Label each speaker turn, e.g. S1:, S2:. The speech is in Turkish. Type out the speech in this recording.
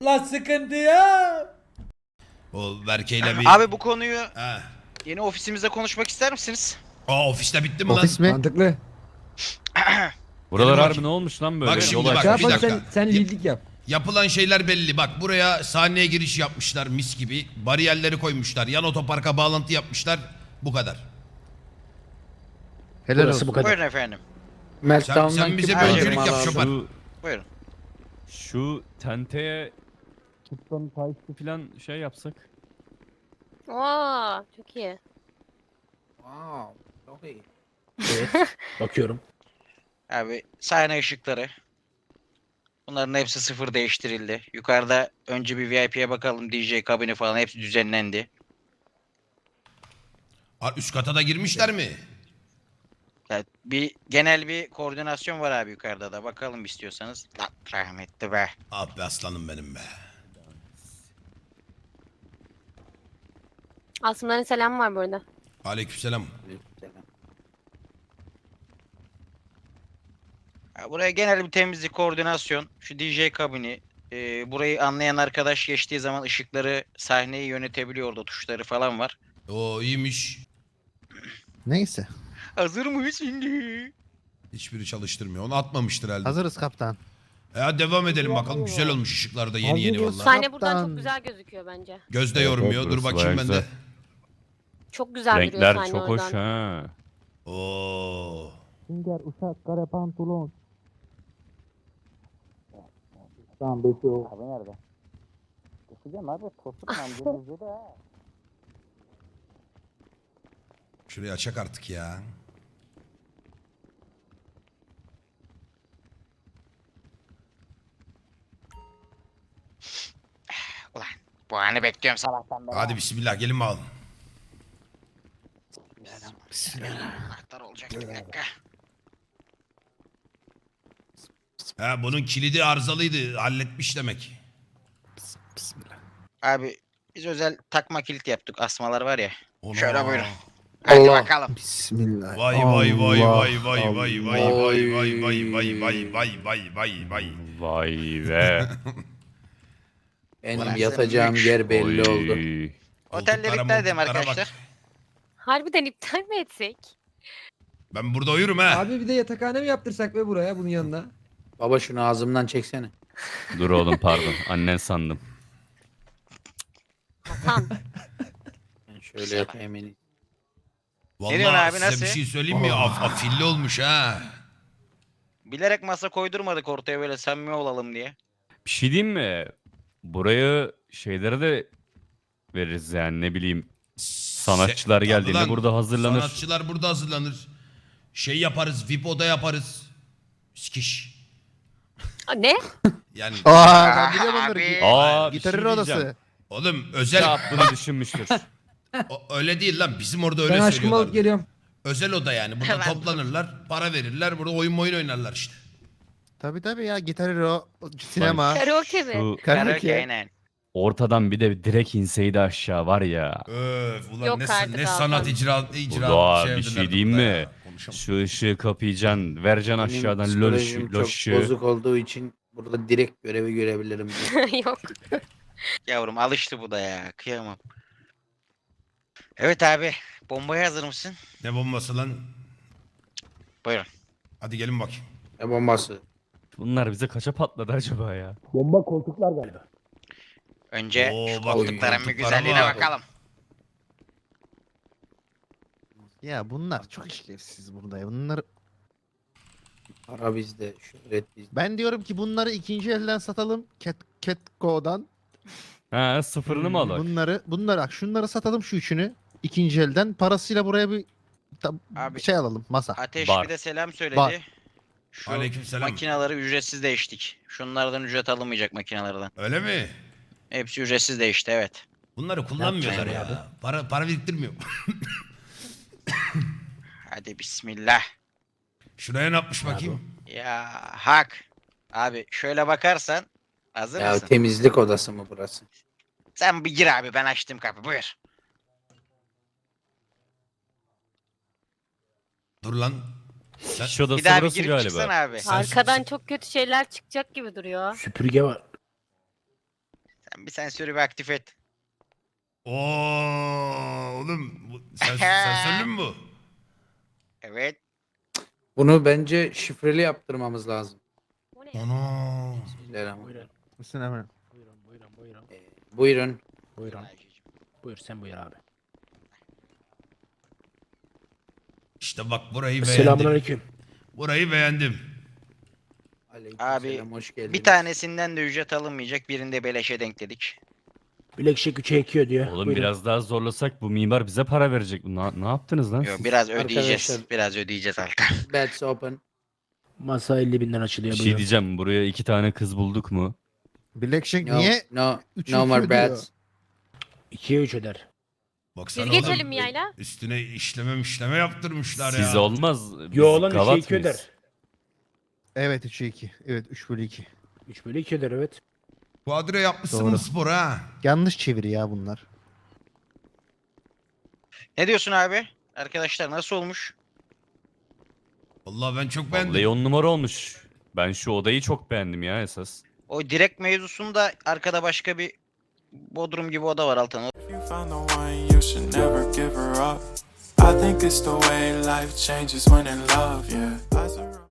S1: La sıkıntı ya.
S2: O Berke'yle bir...
S3: Abi bu konuyu
S2: Ha.
S3: yeni ofisimizde konuşmak ister misiniz?
S2: Aa, ofiste bitti mi lan?
S4: Ofis mi?
S1: Mantıklı.
S5: Buralar
S2: Gelin
S5: harbi
S2: bakayım.
S5: ne olmuş lan böyle?
S2: Bak şimdi
S5: Yol
S2: bak,
S1: Şey
S5: açmış.
S2: bir
S1: yap hadi
S2: dakika.
S1: sen liderlik yap.
S2: Yapılan şeyler belli. Bak buraya sahneye giriş yapmışlar mis gibi. Bariyerleri koymuşlar. Yan otoparka bağlantı yapmışlar. Bu kadar.
S4: Helal
S6: Burası
S4: olsun.
S6: bu kadar.
S3: Buyurun efendim.
S2: Sen
S6: Meltdown'dan
S2: bize
S6: kim
S2: bir
S3: Her
S2: öncülük
S3: şey
S2: yap
S6: lazım?
S2: Şopar.
S3: Buyurun.
S5: Şu tenteye tuttan takip falan şey yapsak.
S7: Oo, çok iyi.
S6: Wow, çok iyi. Evet, bakıyorum.
S3: Abi sahne ışıkları. Bunların hepsi sıfır değiştirildi. Yukarıda önce bir VIP'ye bakalım. DJ kabini falan hepsi düzenlendi.
S2: Ha, üst kata da girmişler mi?
S3: Yani genel bir koordinasyon var abi yukarıda da. Bakalım istiyorsanız. Lan rahmetli be.
S2: Ah be aslanım benim be.
S7: Asımların selamı var burada.
S2: Aleykümselam.
S3: Ya buraya genel bir temizlik, koordinasyon. Şu DJ kabini. Burayı anlayan arkadaş geçtiği zaman ışıkları, sahneyi yönetebiliyor, orada tuşları falan var.
S2: O iyiymiş.
S4: Neyse.
S3: Hazır mıyız şimdi?
S2: Hiçbiri çalıştırmıyor. Onu atmamıştır herhalde.
S4: Hazırız kaptan.
S2: Ya devam edelim bakalım. Güzel olmuş ışıklar da yeni yeni
S1: Hazırız.
S2: valla.
S7: Sahne buradan
S4: Kaptan.
S7: çok güzel gözüküyor bence.
S2: Gözde
S5: Evet,
S2: yormuyor.
S5: evet,
S2: Dur
S5: burası
S2: bakayım ben
S5: bayağı
S2: de.
S7: Çok güzel duruyor
S5: Renkler
S7: sahne
S5: çok
S7: oradan.
S5: hoş ha.
S2: Oo.
S6: Sünger, uşak, kare pantolon. Tamam bekliyor. Abi nerede? Geçeceğim abi. Tosuk amcanızı da.
S2: Şurayı açak artık ya.
S3: Ulan bu anı bekliyorum sabahtan beri.
S2: Hadi bismillah gelin bakalım.
S3: Anahtar olacak bir dakika.
S2: Ha, bunun kilidi arızalıydı. Halletmiş demek.
S4: Bismillah.
S3: Abi biz özel takma kilit yaptık. Asmalar var ya.
S2: Ona.
S3: Şöyle buyurun. Hadi
S6: Allah.
S3: bakalım.
S4: Bismillah.
S2: Vay vay vay
S4: Allah,
S2: vay vay vay vay
S4: Allah.
S2: vay vay vay vay vay vay vay vay vay.
S5: Vay be.
S6: Benim
S3: Burası
S6: yatacağım
S3: büyük.
S6: yer belli
S5: Oy.
S6: oldu.
S3: Otelleri
S2: Koltuklara,
S3: iptal edelim
S2: moltuklara
S3: arkadaşlar.
S2: bak.
S7: Harbiden iptal mi etsek?
S2: Ben burada uyurum ha.
S1: Abi bir de yatakhane mi yaptırsak be buraya bunun yanına?
S6: Baba şunu ağzımdan çeksene.
S5: Dur oğlum pardon. Annen sandım.
S7: Hasan.
S6: Ben şöyle yapayım en iyisi.
S2: Vallahi
S3: diyorsun abi,
S2: size
S3: nasıl?
S2: bir şey söyleyeyim mi? Afilli olmuş ha.
S3: Bilerek masa koydurmadık ortaya böyle samimi olalım diye.
S5: Bir şey diyeyim mi? Burayı şeylere de veririz yani ne bileyim. Sanatçılar
S2: Tabii
S5: geldiğinde
S2: lan,
S5: burada hazırlanır.
S2: Sanatçılar burada hazırlanır. Şey yaparız, VIP oda yaparız. Sikiş.
S7: Aa, ne?
S2: Yani
S4: Aa ben biliyorum onları.
S3: Abi.
S5: Aa, bir
S4: Gitarın
S5: şey
S4: odası.
S5: diyeceğim.
S2: oğlum özel
S5: Yap bunu düşünmüştür.
S2: öyle değil lan. Bizim orada öyle
S1: Ben aşkımı
S2: söylüyorlar.
S1: alıp geliyorum.
S2: Özel oda yani. Burada
S3: Ben-
S2: toplanırlar, para verirler. Burada oyun oynarlar işte.
S4: Tabii ya gitarı o sinema.
S7: Karaoke mi?
S5: Şu
S3: Karaoke
S4: Karaoke.
S3: aynen.
S5: ortadan bir de direkt inseydi aşağı var ya.
S2: Öf ulan
S7: Yok
S2: ne,
S7: artık
S2: ne
S7: Hakan.
S2: sanat icra
S5: Doğa, bir
S2: sevdiler
S5: şey diyeyim
S2: burada
S5: mi?
S2: ya. Konuşamam.
S5: Şu ışığı kapayacaksın. Vereceksin
S6: Benim
S5: aşağıdan
S6: psikolojim
S5: loş
S6: çok
S5: ışığı.
S6: bozuk olduğu için burada direkt görevi görebilirim.
S7: Yok.
S3: Yavrum alıştı bu da ya. Kıyamam. Evet abi. Bombaya hazır mısın?
S2: Ne bombası lan?
S3: Buyurun.
S2: Hadi gelin bakayım.
S6: Ne bombası?
S5: Bunlar bize kaça patladı acaba ya?
S6: Bomba koltuklar galiba.
S3: Önce
S2: Oo,
S3: şu
S2: bak,
S3: koltukların bir
S2: koltuklara
S3: güzelliğine
S2: bak.
S3: bakalım.
S4: Ya bunlar çok işlevsiz burada ya. Bunları
S6: Para bizde, şöhret bizde.
S4: ben diyorum ki bunları ikinci elden satalım. Catco'dan.
S5: Ha sıfırını mı alak?
S4: Bunları bak şunları satalım şu üçünü. İkinci elden parasıyla buraya bir
S3: Abi.
S4: şey alalım masa.
S3: Ateş
S5: Bar.
S3: bir de selam söyledi.
S4: Bar.
S3: Şu
S2: Aleykümselam.
S3: makinaları ücretsiz değiştik. Şunlardan ücret alınmayacak makinalardan.
S2: Öyle mi?
S3: Hepsi ücretsiz değişti evet.
S2: Bunları kullanmıyorlar
S6: yapacağız
S2: ya. Para biriktirmiyor.
S3: Hadi bismillah.
S2: Şuraya ne yapmış bakayım?
S3: Ya hak. Abi şöyle bakarsan hazır
S6: Ya
S3: mısın?
S6: temizlik odası mı burası?
S3: Sen bir gir abi ben açtım kapı buyur.
S2: Dur lan. Sen,
S5: İş odası
S3: Bir daha bir
S5: burası
S3: girip
S5: galiba.
S3: çıksana abi.
S2: Sen-
S7: Arkadan çok kötü şeyler çıkacak gibi duruyor.
S6: Süpürge var.
S3: Bir sensörü bir aktif et.
S2: Oo oğlum sensörlü mü bu?
S3: Evet.
S8: Bunu bence şifreli yaptırmamız lazım.
S7: O ne?
S2: Ana.
S8: Bismillahirrahmanirrahim.
S4: Mısın hemen?
S8: Buyurun.
S6: Buyurun. Buyur sen buyur abi.
S2: İşte bak burayı beğendim.
S6: Selamünaleyküm.
S2: Burayı beğendim.
S8: Aleykümselam, hoş geldiniz.
S3: Bir tanesinden de ücret alınmayacak. Birinde beleşe denk dedik.
S6: Bilekşik 3'e ekiyor diyor.
S5: Oğlum
S6: Buyurun.
S5: biraz daha zorlasak bu mimar bize para verecek. Ne yaptınız lan
S3: Yo,
S5: siz?
S3: biraz ödeyeceğiz.
S8: Arkadaşlar-
S3: Biraz ödeyeceğiz Altan.
S8: Beds open.
S6: Masa 50.000'den açılıyor.
S5: Bir şey
S6: buyurun.
S5: diyeceğim. Buraya 2 tane kız bulduk mu?
S4: Blackjack
S8: No,
S4: niye?
S8: no,
S4: Üçü
S8: no more
S4: iki ödüyor.
S8: bets.
S6: 2'ye 3 öder.
S2: Baksana
S7: Biz
S2: oğlum,
S7: geçelim mi yayla?
S2: Üstüne işleme yaptırmışlar ya.
S5: Siz olmaz. Biz
S6: Yo lan 3'e
S5: gavat
S6: 2
S5: mıyız?
S6: öder.
S4: Evet 3'e 2. Evet 3/2.
S6: 3 bölü 2 öder evet.
S2: Kuadro yapmışsın
S4: Doğru.
S2: bu spor ha.
S4: Yanlış çeviri ya bunlar.
S3: Ne diyorsun abi? Arkadaşlar nasıl olmuş?
S2: Vallahi ben çok beğendim.
S5: Vallahi 10 numara olmuş. Ben şu odayı çok beğendim ya esas.
S3: O direkt mevzusunda arkada başka bir bodrum gibi oda var Altan.
S9: If you found the one, you should never give her up. I think it's the way life changes when in love, yeah.